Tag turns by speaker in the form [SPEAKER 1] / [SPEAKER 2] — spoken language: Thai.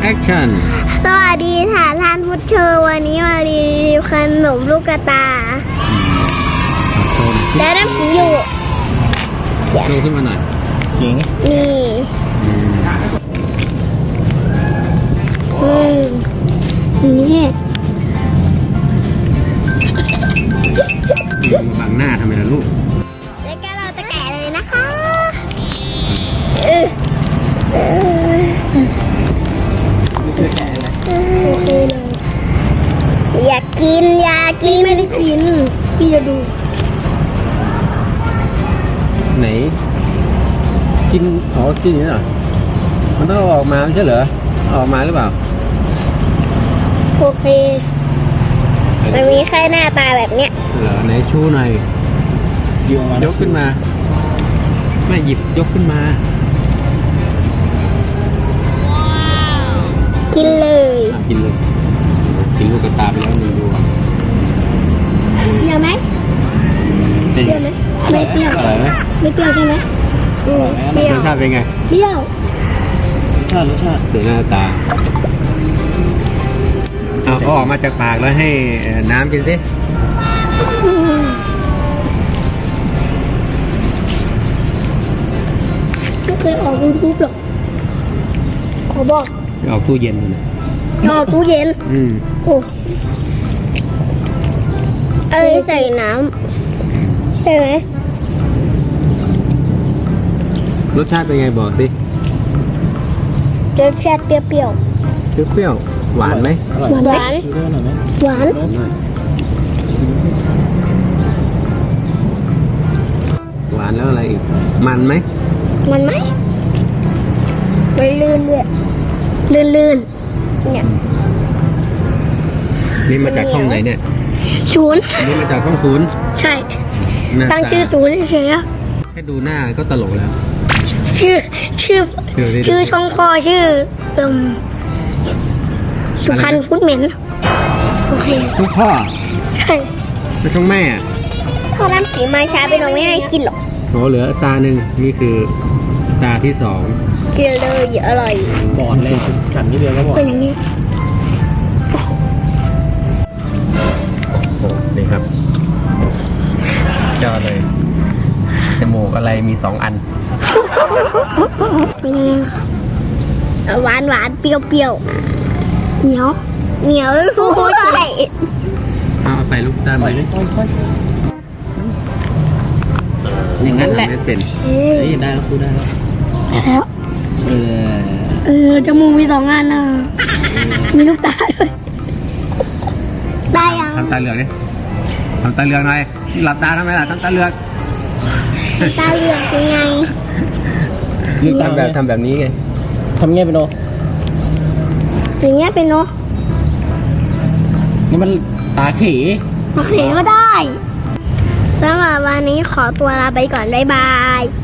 [SPEAKER 1] แอคชั่น
[SPEAKER 2] สวัสดีค่ะท่านผู้ชมวันนี้มารีวิวขนมลูกกระตาและน้ำขิงอยู่
[SPEAKER 1] ดูขึ้นมาหน่อยขิง
[SPEAKER 2] นี่นี่
[SPEAKER 1] บังหน้าทำไมล่ะลูก
[SPEAKER 2] แล้วก็เราจะแกะเลยนะคะอยากกินไม่ได้กินพี่จะดู
[SPEAKER 1] ไหนกินกินอย่างนี้เหรอมันต้องออกมาไม่ใช่เหรอออกมาหรือเปล่า
[SPEAKER 2] โอเคมันมีแค่หน้าตาแบบเนี้ย
[SPEAKER 1] เหรอไหนชูหน่อยยกขึ้นมาไม่หยิบยกขึ้นมา
[SPEAKER 2] กินเลย
[SPEAKER 1] กินเลยกินลูกกระตาไปแล้ว1 ดวง
[SPEAKER 2] เปรี้ยวไหมเปรี้ยวไหมไม่เปรี้ยว
[SPEAKER 1] อะไรไหม
[SPEAKER 2] ไม่เปรี้ยวใช่ไหม
[SPEAKER 1] เปรี้ยวรสชาติเป็นไง
[SPEAKER 2] เปรี้ยว
[SPEAKER 1] รสชาติสีหน้าตาเอาออกมาจากปากแล้วให้น้ำกินสิ
[SPEAKER 2] ไม่เคยออกยูทูบหรอกขอบอก
[SPEAKER 1] ออกตู้เย็นเลย
[SPEAKER 2] ออกตู้เย็นโอ้ใส่น้ำใช่ไหม
[SPEAKER 1] รสชาติเป็นไงบอกสิ
[SPEAKER 2] รสชาติเปรี้ยว
[SPEAKER 1] เปรี้ยวหวานไหม
[SPEAKER 2] หวานหวาน
[SPEAKER 1] หวานแล้วอะไรอีกมันไหม
[SPEAKER 2] มันลื่นด้วยลื่นเนี่ย
[SPEAKER 1] นี่มาจากช่องไหนเนี่ย
[SPEAKER 2] 0
[SPEAKER 1] นี่มาจากช่อง0
[SPEAKER 2] ใช่ตั้งชื่อ0เฉยๆ
[SPEAKER 1] แค่ดูหน้าก็ตลกแล้ว
[SPEAKER 2] ชื่อช่องพ่อชื่อสุพรรณพุทธเหม็นโอเค
[SPEAKER 1] ช่องพ่อ
[SPEAKER 2] ใช่
[SPEAKER 1] แล้วช่องแม่
[SPEAKER 2] พ่อน้ำขิงมาช้าไปเราไม่ให้กินหรอก
[SPEAKER 1] เหลือตาหนึ่งนี่คือตาที่2
[SPEAKER 2] กินเลยอร่อย
[SPEAKER 1] บอดเลยขันนิดเดียวก็บอด
[SPEAKER 2] เป็นอย่างนี้
[SPEAKER 1] นี่ครับเจอเลยจมูกอะไรมี2 อัน
[SPEAKER 2] เป็นยังไงหวานเปรี้ยวเหนียวโอ้ยใส่
[SPEAKER 1] เอาใส่ลูกตาลไปเลยอย่างนั้นแหละไม่เป็นนี่ได้แล้วพูดได้
[SPEAKER 2] แล้วจมูกมี2 อันนะมีลูกตาด้วยได้ยัง
[SPEAKER 1] ทำตาเหลือกดิทำตาเหลือกหน่อยหลับตาทำไมล่ะทำตาเหลือก
[SPEAKER 2] ตาเหลือกเป็นไง
[SPEAKER 1] ทำแบบนี้ไงทำเงี้ยเป็นโน
[SPEAKER 2] อย่างเงี้ยเป็นโน
[SPEAKER 1] นี่มันตาขี
[SPEAKER 2] ก็ได้สำหรับวันนี้ขอตัวลาไปก่อนบ๊ายบาย